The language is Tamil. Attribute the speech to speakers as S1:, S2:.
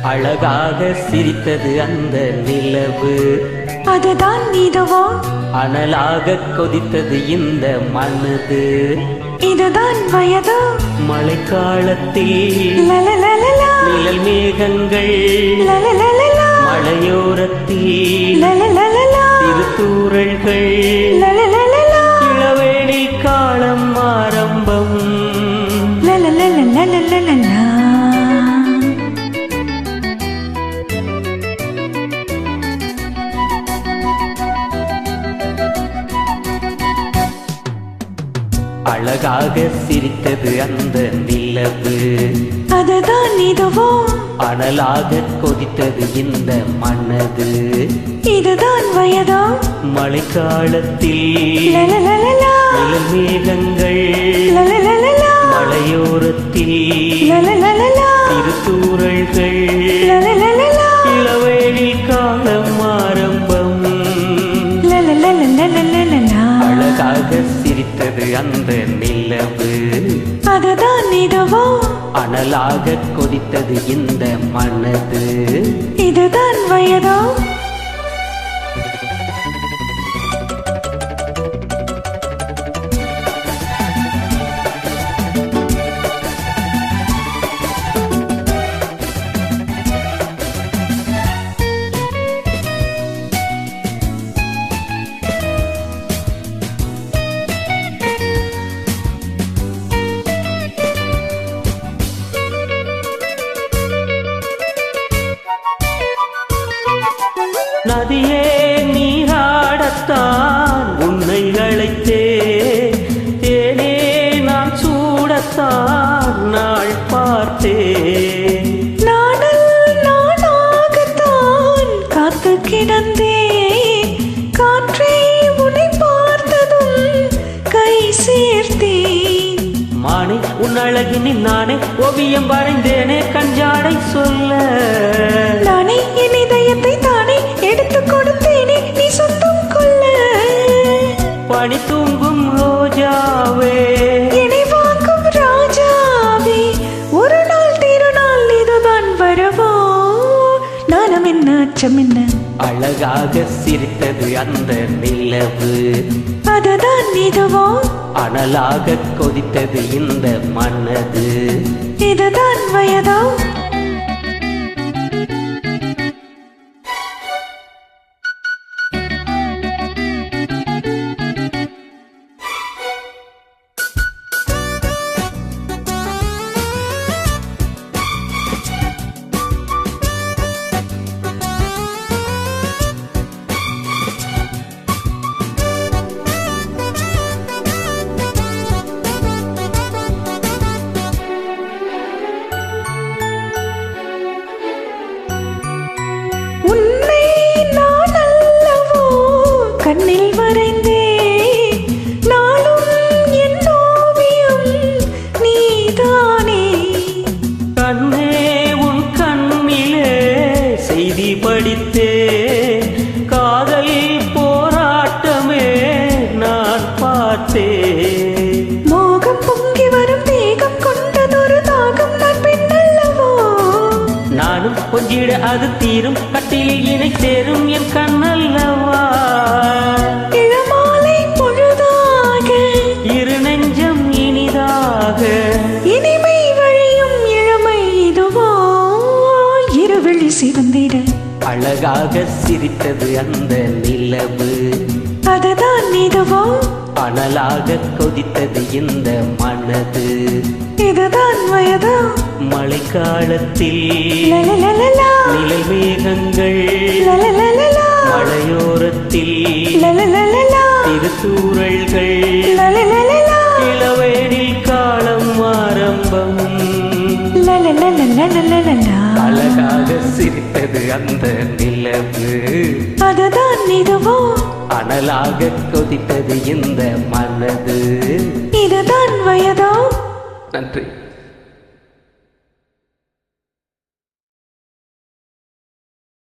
S1: அழகாக சிரித்தது அந்த நிலவு,
S2: அதுதான் இதுவோ?
S1: அனலாக கொதித்தது இந்த மனது,
S2: இதுதான் வயதோ?
S1: மழைக்காலத்தில்
S2: லலலலலா,
S1: நிழல் மேகங்கள்
S2: லலலலலா,
S1: மலையோரத்தில்
S2: லலலலலா,
S1: திருத்தூரல்கள்
S2: லலலலலா,
S1: இளவேளை காலம் ஆரம்பம்.
S2: லலலலலலலலா.
S1: அழகாக சிரித்தது அந்த நிலவு,
S2: அதுதான் இதுவோ?
S1: அனலாக கொதித்தது இந்த மனது,
S2: இதுதான் வயதோ?
S1: மழைக்காலத்தில்
S2: லலலலலா,
S1: நிழல் மேகங்கள்
S2: லலலலலா,
S1: மலையோரத்தில்
S2: லலலலலா,
S1: திருத்தூரல்கள்
S2: லலலலலா,
S1: இளவேளை காலம் ஆரம்பம்.
S2: லலலலலலலலா.
S1: அழகாக சிரித்தது அந்த நிலவு,
S2: அதுதான் இதுவோ?
S1: அனலாக கொதித்தது இந்த மனது,
S2: இதுதான் வயதோ?
S1: நதியே நீராடத்தான் உன்னை அழைத்தே, தேனே நான் சூடத்தான் நாள் பார்த்தேன்.
S2: நாடல் நானாகத்தான் காத்து கிடந்தேன், காற்றே உன்னை பார்த்ததும் கை சேர்த்தேன்.
S1: மானே உன் அழகினில் நானே ஓவியம் வரைந்தேனே கஞ்சாடை சொல்ல,
S2: நானே என் இதயத்தை தானே எடுத்து கொடுத்தேனே நீ சொந்தம் கொள்ள.
S1: பனி தூங்கும் ரோஜாவே,
S2: என்னை வாங்கும் ராஜாவே, ஒரு நாள் திருநாள் இதுதான் வரவோ? நானும் என்ன அச்சம் என்ன?
S1: அழகாக சிரித்தது அந்த நிலவு,
S2: அதுதான் இதுவோ?
S1: அனலாக கொதித்தது இந்த மனது,
S2: இதுதான் வயதோ? உன்னை நான் அல்லவோ கண்ணில் வரைந்தே, நாளும் என் ஓவியம் நீதானே.
S1: கண்ணே உன் கண்ணிலே செய்தி படித்தே, காதல் போராட்டமே நான் பார்த்தேன்.
S2: மோகம் பொங்கி வரும் தேகம் கொண்டதொரு தாகம் நான் பெண்ணல்லவோ?
S1: நானும் கொஞ்சிட அது தீரும், கட்டிலில் இணை சேரும் என் கண்ணல்லவா.
S2: இளமாலை பொழுதாக
S1: இரு நெஞ்சம் இனிதாக,
S2: இனிமை வழியும் இளமை இதுவோ? இருவெளி சிவந்திட
S1: அழகாக சிரித்தது அந்த நிலவு,
S2: அதுதான் இதுவோ?
S1: அனலாக கொதித்தது இந்த மனது,
S2: இதுதான் வயதோ?
S1: மழைக்காலத்தில்
S2: லலலலலா,
S1: நிழல் மேகங்கள்
S2: லலலலலா,
S1: மலையோரத்தில்
S2: லலலலலா,
S1: திருத்தூரல்கள்
S2: லலலலலா,
S1: இளவேளை காலம் ஆரம்பம்.
S2: லலலலலலலலா.
S1: அழகாக சிரித்தது அந்த நிலவு,
S2: அதுதான் இதுவோ?
S1: அனலாக கொதித்தது இந்த மனது,
S2: இதுதான் வயதோ?
S1: நன்றி.